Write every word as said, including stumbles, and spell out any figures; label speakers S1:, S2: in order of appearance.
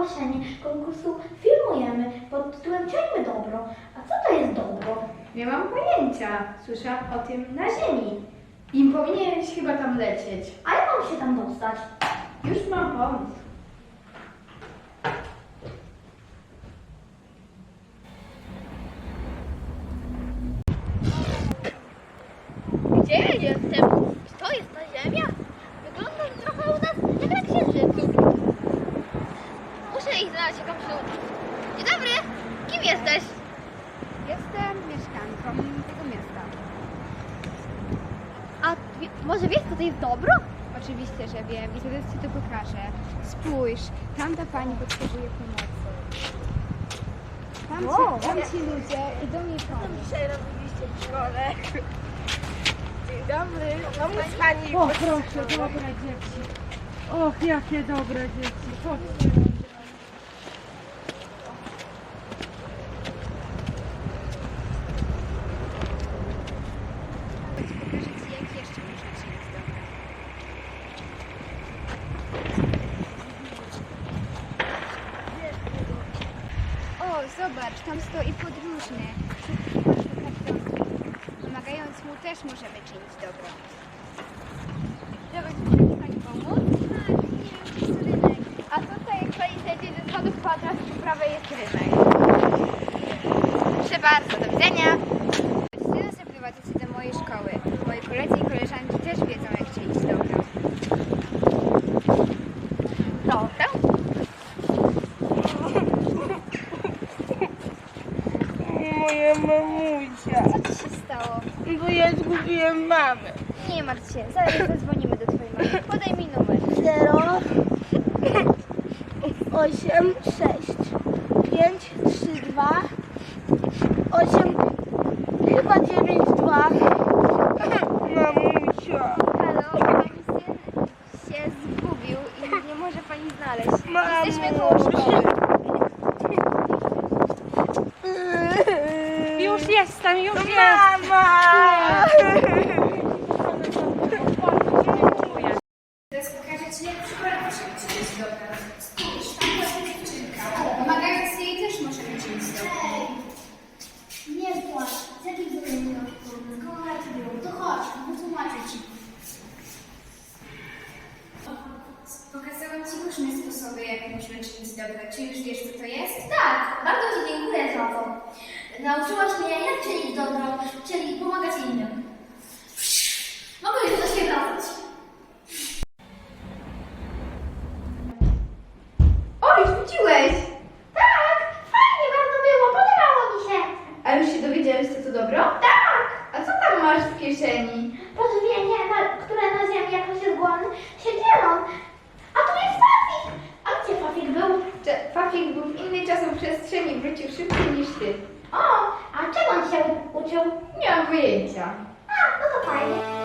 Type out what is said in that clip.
S1: ogłoszenie konkursu filmujemy pod tytułem Czyńmy dobro. A co to jest dobro?
S2: Nie mam pojęcia. Słyszałam o tym na ziemi. Im powinieneś chyba tam lecieć.
S1: A jak mam się tam dostać?
S2: Już mam pomysł.
S3: Gdzie ja jestem? Czy to jest ta ziemia? Wygląda trochę u nas jak na księżycu. Muszę ich znaleźć jakąś ludzi. Dzień dobry! Kim jesteś?
S4: Jestem mieszkanką tego miasta.
S3: A wie, może wiesz, co to jest dobro?
S4: Oczywiście, że wiem i zaraz Ci to pokażę. Spójrz, tamta pani potrzebuje pomocy. Tam,
S3: Wow.
S4: ci, tam ci ludzie idą jej pomóc.
S3: Dzisiaj robiliście w szkole. Dzień dobry. Pomóc pani.
S5: O proszę, dobre dzieci. Och, jakie dobre dzieci. Chodźcie.
S4: Pokażę Ci, jak jeszcze można czynić dobro. O, zobacz, tam stoi podróżny. Pomagając mu też możemy czynić dobro.
S3: Żeby pani pomóc? Tak, nie wiem, to jest rynek. A tutaj, jak pani zejdzie ze schodów, kwadrat po prawej jest rynek.
S4: Proszę bardzo, do widzenia. Chcę nas zaprowadzić do mojej szkoły. Moi koledzy i koleżanki też wiedzą, jak czynić dobro.
S3: Dobra.
S5: Moja mamusia.
S3: Co ci się stało?
S5: Bo ja zgubiłem mamę.
S3: Nie martw się, zaraz zadzwonimy do twojej mamy. Podaj mi numer.
S1: zero, osiem, sześć, pięć, trzy, dwa, osiem, chyba dziewięć, dwa.
S5: Mamusia.
S3: Halo, pani syn się zgubił i nie może pani znaleźć.
S5: Mamo.
S3: Jesteśmy koło szkoły.
S5: Już jestem, już jestem.
S1: Mama!
S4: Teraz pokażę Ci, jak w szkole możemy czynić dobro. Spójrz, tam jest dziewczynka. Pomagając jej też możemy czynić dobro.
S1: Nie płacz, z jakim problemem masz problem? Kochaj cię było, to chodź, wytłumaczę ci.
S4: Pokazałam Ci różne sposoby, jak możemy czynić dobro. Czy już wiesz, co to jest?
S1: Tak, bardzo ci dziękuję za to. Nauczyłaś mnie, jak czynić dobro, czyli pomagać innym. Mogę już do siebie wracać.
S2: O, już wróciłeś!
S1: Tak, fajnie bardzo było, podobało mi się.
S2: A już się dowiedziałeś, co to dobro?
S1: Tak,
S2: A co tam masz w kieszeni?
S1: pożywienie, na, które na ziemi, jak ktoś jest głodny, się dzielą. A tu jest Fafik. A gdzie Fafik był?
S2: Że Fafik był w innej czasoprzestrzeni, wrócił szybciej niż ty.
S1: O, a czego on się u- uczył?
S2: Nie mam pojęcia.
S1: A, no to fajnie.